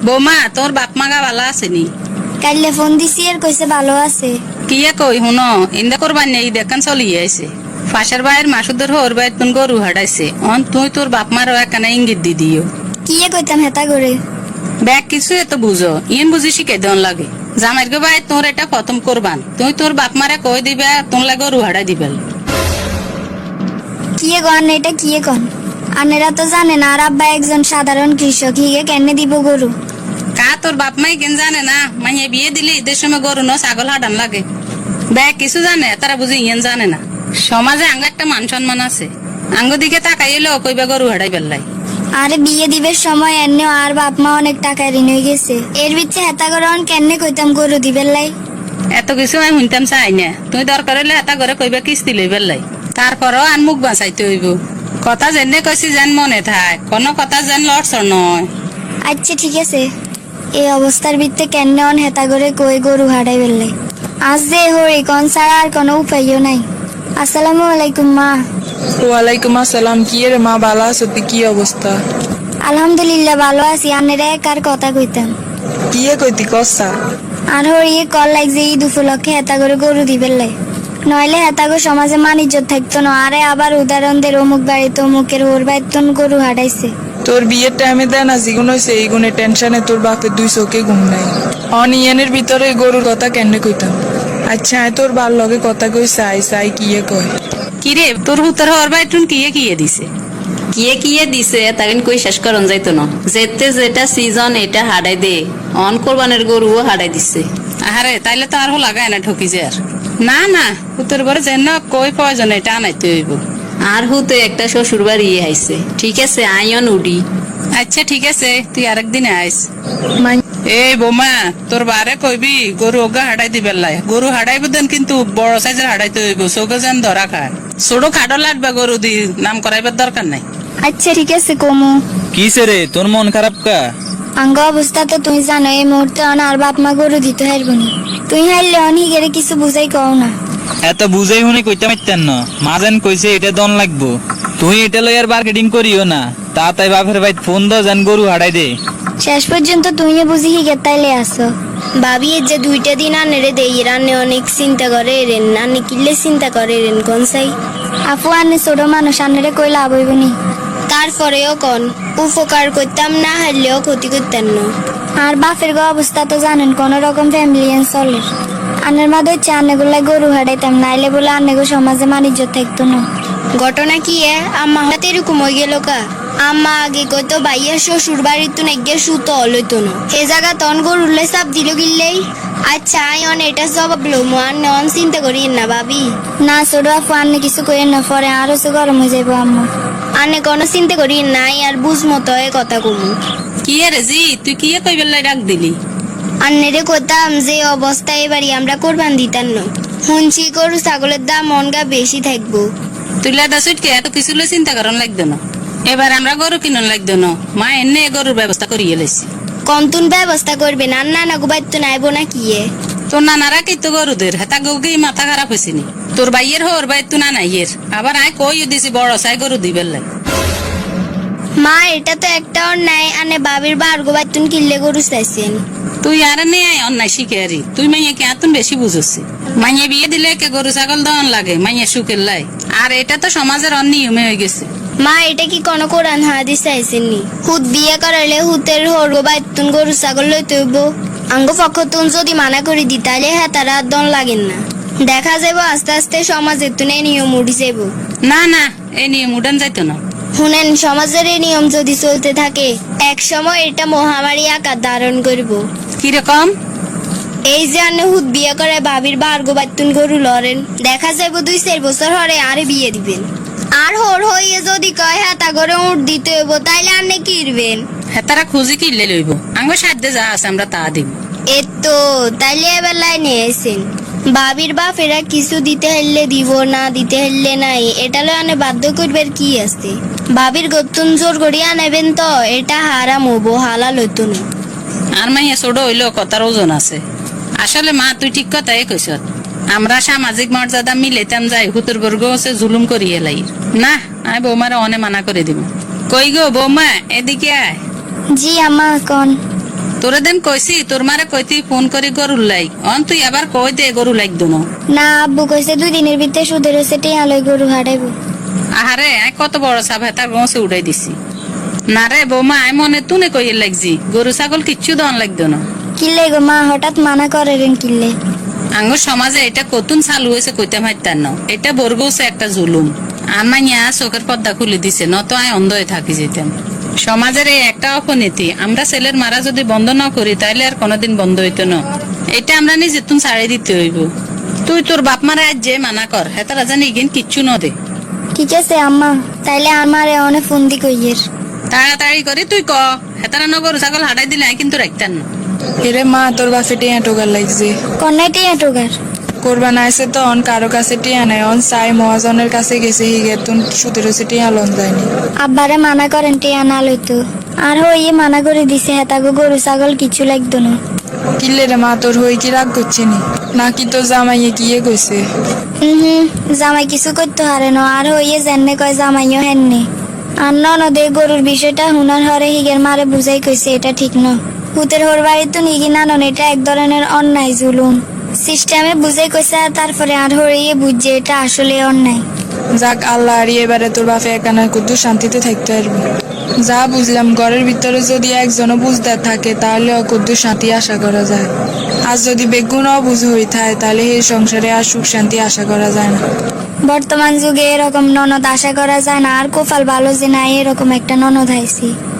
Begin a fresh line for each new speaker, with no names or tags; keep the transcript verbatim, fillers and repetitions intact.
বৌমা তোর বাপ মাগা ভালো আছে নি?
কাইলে ফোন দিছি আর কইছে ভালো আছে।
কি কই হুনো ইন্দা করবার নেই দেখান চলি আইছে ফাঁসের বাইর মাসুদের হোর বাইর তুন গরু হাডাইছে অন তুই তোর বাপ মারও একখানা ইঙ্গিত দি দিও।
কি কইতাম হেতা করে
ব্যাগ কিছু এত বুঝো ইন বুঝি শিখে দেন লাগে জামাইর গো ভাই তোর এটা খতম করবান তুই তোর বাপ মারে কই দিবে তোর লাগে গরু হাডাই দিবেল।
কি গন এটা কি কন আনেরা তো জানে না আর আব্বা একজন সাধারণ কৃষক হিগে কেনে দিব গরু।
কা তোর বাপ মাই কেন জানে না মাইয়ে বিয়ে দিলে ঈদের সময় গরু ন ছাগল হাডান লাগে ব্যাগ কিছু জানে তারা বুঝি ইয়েন জানে না। সমাজে আঙ্গ একটা মান সম্মান আছে আঙ্গ দিকে তাকাইলেও কইবা গরু হাডাই বেল্লাই।
আরে বিয়ে দিবের সময় এনে আর বাপ মা অনেক টাকা ঋণ হয়ে গেছে এর ভিতরে হেতা করে কেনে কইতাম গরু দিবেন লাই।
এত কিছু আমি শুনতাম চাই না তুই দরকার হইলে হেতা করে কইবা কিস্তি লই বেল্লাই তারপরও আন মুখ বাঁচাইতে হইব। কথা জেনে কইছি যেন মনে থাক কোনো কথা যেন লড়ছর নয়।
আচ্ছা ঠিক আছে এই অবস্থার ভিতরে কেনে অন হেতা করে কই গরু হারাই বেললে আজ যে হরি কোন ছাড়া আর কোনো উপায়ও নাই। আসসালামু আলাইকুম মা।
ওয়ালাইকুম আসসালাম। কি রে মা ভালো আছো? তুই কি অবস্থা?
আলহামদুলিল্লাহ ভালো আছি। আনেরা একার কথা কইতাম।
কি কইতি কসা?
আর হরি কল লাগছে ঈদ উপলক্ষে হেতা করে গরু দিবেন লাই নইলে হেতাগো সমাজে মানিজ্য থাকতো না। আরে আবার উদাহরণ দের অমুক বাড়িতে অমুকের ওর বাইতন গরু হারাইছে।
তোর বিয়ের টাইমে দেয় না জিগুন হয়েছে এই গুণে টেনশনে তোর বাপের দুই চোখে ঘুম নাই। অনিয়নের ভিতরে গরুর কথা কেন কইতাম। আচ্ছা তোর বার লগে কথা কই চাই চাই কিয়ে কয়
কিরে তোর হুতর হওয়ার বাইটুন কিয়ে কিয়ে দিছে কিয়ে কিয়ে দিছে তাকে কই শেষ করন যাইতো না যেতে যেটা সিজন এটা হাডাই দে অন কোরবানের গরুও হাডাই দিছে। আরে তাইলে তো আর হো লাগায় না ঠকি যে আর না না হুতর বড় যেন কই প্রয়োজন এটা আনাইতে হইব। আর হুতে একটা শ্বশুর বাড়ি আইছে ঠিক আছে আইন উডি। আচ্ছা ঠিক আছে তুই আরেকদিন আইস। এই বোমা তোর বারে কইবি গরু ওগা হাডাই দিবে লাই গরু হাডাইব দেন কিন্তু বড় সাইজের হাডাইতে হইব চোখে যেন ধরা খায় ছোট খাটো লাগবে গরু দি নাম করাইবার দরকার নাই।
আচ্ছা ঠিক আছে কমু।
কিসে রে তোর মন খারাপ কা?
আঙ্গ অবস্থা তো তুই জানো এই মুহূর্তে অন আর বাপ মা গরু দিতে হারবনি তুই হারলে অনি গেলে কিছু বুঝাই কও না।
এত বুঝাই শুনি কইতে মাইতেন না মাঝেন কইছে এটা দন লাগবো তুই এটা লই আর মার্কেটিং করিও না তা তাই বাপের ভাই ফোন দাও যেন গরু হাডাই দে।
শেষ পর্যন্ত তুই বুঝি হিগে তাইলে আসো ভাবি যে দুইটা দিন আনেরে দেই রান্নে অনেক চিন্তা করে রেন আনে কিল্লে চিন্তা করে রেন কোন সাই আপু আনে ছোট মানুষ আনেরে কই লাভ হইবনি তারপরেও কোন উপকার করতাম না হারলেও ক্ষতি করতেন না। আর বাপের গো অবস্থা তো জানেন কোন রকম ফ্যামিলি চলে আনের মা দইছে আনেগুলা গরু হারাইতাম নাইলে বলে আনেগো সমাজে মানিজ্য থাকতো না। ঘটনা কি এ আম্মা হাতে এরকম হয়ে গেল কা আম্মা আগে কইতো বাইয়া শ্বশুর বাড়ির তো নেগে সুতো হলইতো না এ জায়গা তন গরুলে চাপ দিল গিললেই। আচ্ছা আই অন এটা জবাব লো মান নন চিন্তা করি না ভাবি না ছোট আপু আন্নে কিছু করেন না পরে আরো সে গরম হয়ে যাবো আম্মা আনে কোনো চিন্তা করি নাই আর বুঝ মতো এ কথা কমু।
কি রে জি তুই কি কই বেল্লাই ডাক দিলি?
আন্নেরে কইতাম যে অবস্থা এবারই আমরা কোরবান দিতাম না শুনছি গরু ছাগলের দাম মনগা বেশি থাকবো।
তুই লাদা সুটকে এত কিছু লই চিন্তা করন লাগতো না এবার আমরা গরু কিনন লাগতো না মা এনে গরুর ব্যবস্থা করিয়ে লাইছি।
কন্তুন ব্যবস্থা করবে না না না গুবাইতো নাইবো না কি এ
তোর নানারা কি তো গরুদের হেতা গৌকি মাথা খারাপ হয়েছে নি তোর বাইয়ের হোর বাই তু না নাইয়ের আবার আয় কই দিছি বড় সাই গরু দিবেন লাই।
মা এটা তো একটা অন্যায় আনে বাবির বার গুবাইতুন কিল্লে গরু চাইছেন
তুই আর নে আয় অন্যায় শিখে আরি তুই মাইয়া কে আতুন বেশি বুঝছি মাইয়া বিয়ে দিলে কে গরু ছাগল দন লাগে মাইয়া সুখের লাই আর এটা তো সমাজের অনিয়মে হয়ে গেছে।
মা এটা কি কোন কোরআন হাদিস চাইছেন নি হুত বিয়ে করালে হুতের হোর গুবাইতুন গরু ছাগল লইতে হইব আঙ্গ পক্ষতুন যদি মানা করে দি তাহলে হ্যাঁ তারা দন লাগেন না দেখা যাব আস্তে আস্তে সমাজের তুনে নিয়ম উঠি যাব।
না না এই নিয়ম উঠান যাইতো না।
শুনেন সমাজের এই নিয়ম যদি চলতে থাকে এক সময় এটা মহামারী আকার ধারণ করব।
কিরকম?
এই যে আনে হুত বিয়ে করে ভাবির বার গোবাতুন গরু লড়েন দেখা যাইব দুই চার বছর হরে আরে বিয়ে দিবেন আর হোর হইয়ে যদি কয় হ্যাঁ তা করে উঠ দিতে হইব তাইলে আনে কিরবেন
হ্যাঁ তারা খুঁজি কিনলে লইব আঙ্গ সাধ্যে যা আছে আমরা তা দিব।
এ তো তাইলে এবার লাইনে এসেন ভাবির বাপ এরা কিছু দিতে হইলে দিব না দিতে হইলে নাই এটা লয় আনে বাধ্য করবার কি আছে ভাবির গতুন জোর করিয়া নেবেন তো এটা হারাম হবো হালাল হইতো না।
আর মাইয়া ছোট হইলেও কথার ওজন আছে আসলে মা তুই ঠিক কথাই কইস আমরা সামাজিক মর্যাদা মিলেতাম যাই হুতুর বর্গ হচ্ছে জুলুম করিয়ে লাই না আমি বৌমারা অনে মানা করে দিব। কই গো বৌমা এদিকে আয়।
জি আমা কোন
তোরে দেন কইছি তোর মারে কইতি ফোন করি গরুর লাই অন তুই আবার কই দে গরু লাগতো না
না আব্বু কইছে দুই দিনের ভিতরে সুদের হচ্ছে টিয়া লই গরু হারাইবো।
আহারে আই কত বড় সাপ হেতার গছে উড়াই দিছি না রে বৌমা আই মনে তুনে কইয়ে লাগছি গরু ছাগল কিচ্ছু দন লাগতো না
কিল্লে গো মা হঠাৎ মানা করে রেন কিল্লে?
আঙ্গুর সমাজে এটা কতুন চালু হয়েছে কইতাম হাইতার না এটা বর্গছে একটা জুলুম আমাইয়া চোখের পর্দা খুলে দিছে নত আয় অন্ধ হয়ে থাকি যেতাম সমাজের এই একটা অপনীতি আমরা ছেলের মারা যদি বন্ধ না করি তাইলে আর কোনোদিন বন্ধ হইতো না এটা আমরা নিজে তুন ছাড়ে দিতে হইব তুই তোর বাপ মারা আজ যে মানা কর হেতারা জানি ইগেন কিচ্ছু ন দে
ঠিক আছে আম্মা, তাইলে আমারে অনেক ফোন দি কইয়ের।
তাড়াতাড়ি করে তুই ক হেতারা ন গরু ছাগল হাঁটাই দিলে আই কিন্তু রাখতাম না
এরে মা তোর বাপে টিয়া টোকার লাগছে
কন্যাই টিয়া টোগার
কোরবান আইসে তো অন কারো কাছে টিয়া নাই অন সাই মহাজনের কাছে গেছে হিগে তুন সুদের হচ্ছে টিয়া লন যায়নি
আব্বারে মানা করেন টিয়া না লইতো আর হইয়ে মানা করে দিছে হেতাগো গরু ছাগল কিছু লাগতো না।
কিল্লে রে মা তোর হই কি রাগ করছে নি নাকি তোর জামাইয়ে কিয়ে কইছে?
হুম হুম জামাই কিছু করতে হারে না আর হইয়ে জেনে কয় জামাইও হেননি আর ননদে গরুর বিষয়টা হুনার হরে হিগের মারে বুঝাই কইছে এটা ঠিক ন হুতের হোর বাড়ি তো নিগি নানন এটা এক ধরনের অন্যায় জুলুম সিস্টেমে বুঝাই কইছে আর তারপরে আর হরিয়ে বুঝছে এটা আসলে অন্যায়।
যাক আল্লাহ আর এবারে তোর বাপে একানা কুদ্দু শান্তিতে থাকতে পারবি যা বুঝলাম ঘরের ভিতরে যদি একজনও বুঝদার থাকে তাহলে অকুদ্দু শান্তি আশা করা যায় আর যদি বেগুন অবুঝ হয়ে থাকে তাহলে এই সংসারে আর সুখ শান্তি আশা করা যায় না।
বর্তমান যুগে এরকম ননদ আশা করা যায় না আর কোফাল ভালো যে না এরকম একটা ননদ আইছি।